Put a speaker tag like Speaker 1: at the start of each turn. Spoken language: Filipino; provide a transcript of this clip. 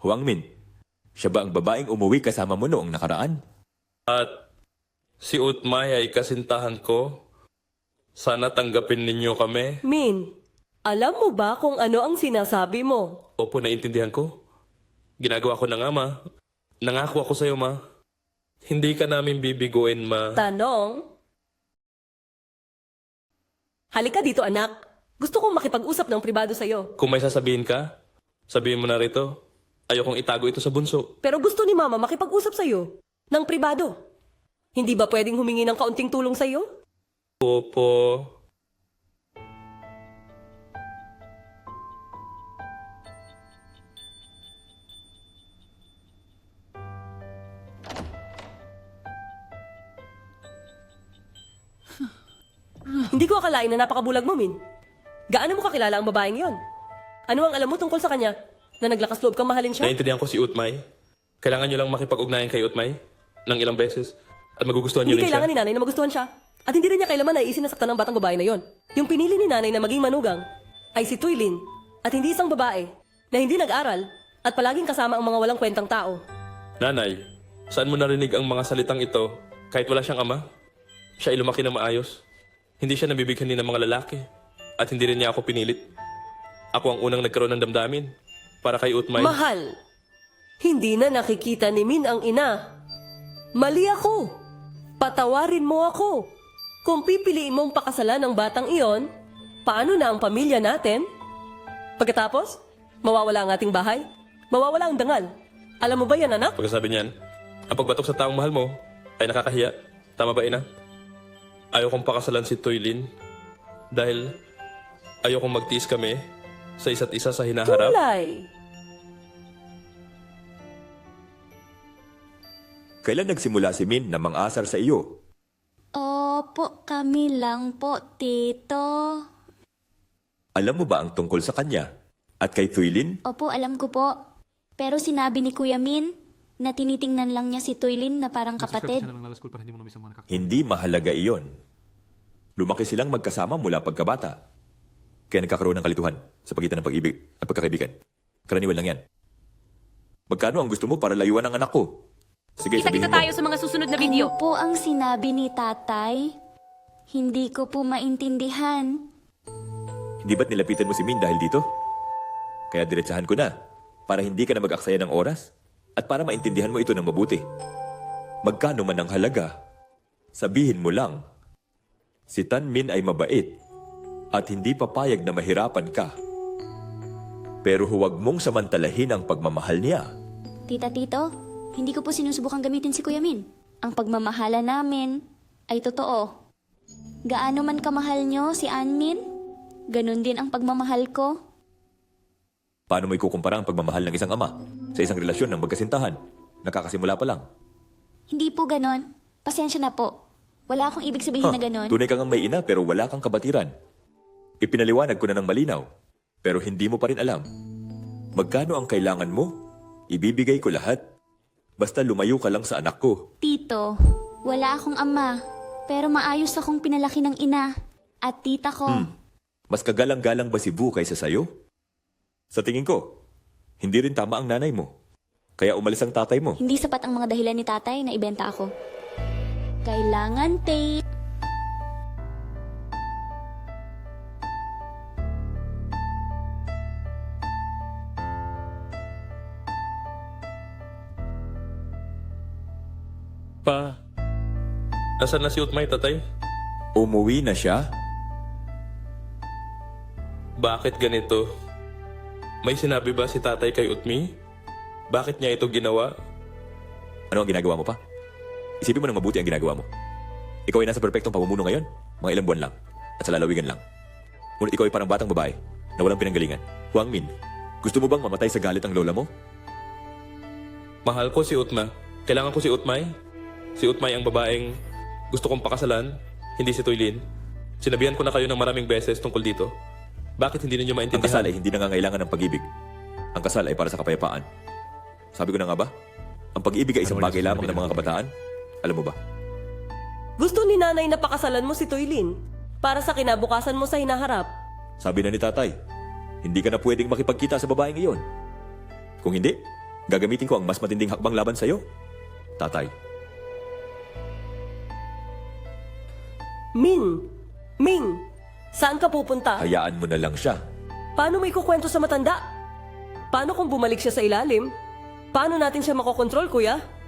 Speaker 1: Huang Min, siya ba ang babaeng umuwi kasama mo noong nakaraan?
Speaker 2: At si Utmay ay kasintahan ko. Sana tanggapin ninyo kami.
Speaker 3: Min, alam mo ba kung ano ang sinasabi mo?
Speaker 2: Opo, naintindihan ko. Ginagawa ko na nga, ma. Nangako ako sa'yo, ma. Hindi ka namin bibiguin, ma.
Speaker 3: Tanong? Halika dito, anak. Gusto kong makipag-usap ng pribado sa'yo.
Speaker 2: Kung may sasabihin ka, sabihin mo na rito. Ayokong itago ito sa bunso.
Speaker 3: Pero gusto ni Mama makipag-usap sa'yo. Ng pribado. Hindi ba pwedeng humingi ng kaunting tulong sa'yo?
Speaker 2: Opo.
Speaker 3: Hindi ko akalain na napakabulag mo, Min. Gaano mo kakilala ang babaeng yon? Ano ang alam mo tungkol sa kanya? Na naglakas loob kang mahalin siya?
Speaker 2: Naintindihan ko si Utmay. Kailangan nyo lang makipag-ugnayan kay Utmay ng ilang beses. At magugustuhan nyo
Speaker 3: Hindi
Speaker 2: rin siya.
Speaker 3: kailangan ni nanay na magustuhan siya. At hindi rin niya kailaman ay isinasaktan ng batang babae na yon. Yung pinili ni nanay na maging manugang ay si Tuylin at hindi isang babae na hindi nag-aral at palaging kasama ang mga walang kwentang tao.
Speaker 2: Nanay, saan mo narinig ang mga salitang ito kahit wala siyang ama? Siya ay lumaki na maayos. Hindi siya nabibigyan ni ng mga lalaki. At hindi rin niya ako pinilit. Ako ang unang nagkaroon ng damdamin para kay Utmay.
Speaker 3: Mahal, hindi na nakikita ni Min ang ina. Mali ako. Patawarin mo ako. Kung pipiliin mong pakasalan ng batang iyon, paano na ang pamilya natin? Pagkatapos, mawawala ang ating bahay? Mawawala ang dangal. Alam mo ba yan, anak?
Speaker 2: Pagkasabi niyan, ang pagbatok sa taong mahal mo ay nakakahiya. Tama ba, ina? Ayaw kong pakasalan si Tuylin dahil ayaw kong magtiis kami sa isa't isa sa hinaharap.
Speaker 3: Tulay.
Speaker 1: Kailan nagsimula si Min na mang-asar sa iyo?
Speaker 4: Opo, kami lang po, Tito.
Speaker 1: Alam mo ba ang tungkol sa kanya? At kay Tuylin?
Speaker 4: Opo, alam ko po. Pero sinabi ni Kuya Min na tinitingnan lang niya si Tuylin na parang kapatid.
Speaker 1: Hindi mahalaga iyon. Lumaki silang magkasama mula pagkabata. Kaya nagkakaroon ng kalituhan sa pagitan ng pag-ibig at pagkakaibigan. Karaniwan lang yan. Magkano ang gusto mo para layuan ang anak ko? Sige,
Speaker 5: Kita-kita
Speaker 1: sabihin mo.
Speaker 5: tayo sa mga susunod na video.
Speaker 4: Ano po ang sinabi ni tatay? Hindi ko po maintindihan.
Speaker 1: Hindi ba't nilapitan mo si Min dahil dito? Kaya diretsahan ko na para hindi ka na mag-aksaya ng oras at para maintindihan mo ito ng mabuti. Magkano man ang halaga, sabihin mo lang. Si Tan Min ay mabait at hindi papayag na mahirapan ka. Pero huwag mong samantalahin ang pagmamahal niya.
Speaker 4: Tito, hindi ko po sinusubukang gamitin si Kuya Min. Ang pagmamahala namin ay totoo. Gaano man kamahal nyo si Anmin, ganun din ang pagmamahal ko.
Speaker 1: Paano mo ikukumpara ang pagmamahal ng isang ama sa isang relasyon ng magkasintahan? Nakakasimula pa lang.
Speaker 4: Hindi po ganon. Pasensya na po. Wala akong ibig sabihin na ganon.
Speaker 1: Tunay kang may ina pero wala kang kabatiran. Ipinaliwanag ko na ng malinaw, pero hindi mo pa rin alam. Magkano ang kailangan mo? Ibibigay ko lahat. Basta lumayo ka lang sa anak ko.
Speaker 4: Tito, wala akong ama, pero maayos akong pinalaki ng ina at tita ko.
Speaker 1: Mas kagalang-galang ba si Bu kaysa sayo? Sa tingin ko, hindi rin tama ang nanay mo. Kaya umalis ang tatay mo.
Speaker 4: Hindi sapat ang mga dahilan ni tatay na ibenta ako. Kailangan tape.
Speaker 2: Pa, nasaan na si Utmay, tatay?
Speaker 1: Umuwi na siya?
Speaker 2: Bakit ganito? May sinabi ba si tatay kay Utmi? Bakit niya ito ginawa?
Speaker 1: Ano ang ginagawa mo pa? Isipin mo ng mabuti ang ginagawa mo. Ikaw ay nasa perpektong pamumuno ngayon, mga ilang buwan lang, at sa lalawigan lang. Ngunit ikaw ay parang batang babae na walang pinanggalingan. Huang Min, gusto mo bang mamatay sa galit ang lola mo?
Speaker 2: Mahal ko si Utma. Kailangan ko si Utmay. Si Utmay ang babaeng gusto kong pakasalan, hindi si Tuylin. Sinabihan ko na kayo ng maraming beses tungkol dito. Bakit hindi ninyo
Speaker 1: Ang
Speaker 2: maintindihan?
Speaker 1: kasal ay hindi nangangailangan ng pag-ibig. Ang kasal ay para sa kapayapaan. Sabi ko na nga ba? Ang pag-ibig ay isang bagay lamang ng mga kabataan. Alam mo ba?
Speaker 3: Gusto ni nanay na pakasalan mo si Tuylin para sa kinabukasan mo sa hinaharap.
Speaker 1: Sabi na ni tatay, hindi ka na pwedeng makipagkita sa babaeng iyon. Kung hindi, gagamitin ko ang mas matinding hakbang laban sa'yo. Tatay,
Speaker 3: Ming, saan ka pupunta?
Speaker 1: hayaan mo na lang siya.
Speaker 3: Paano mo ikukwento sa matanda? Paano kung bumalik siya sa ilalim? Paano natin siya makokontrol, kuya?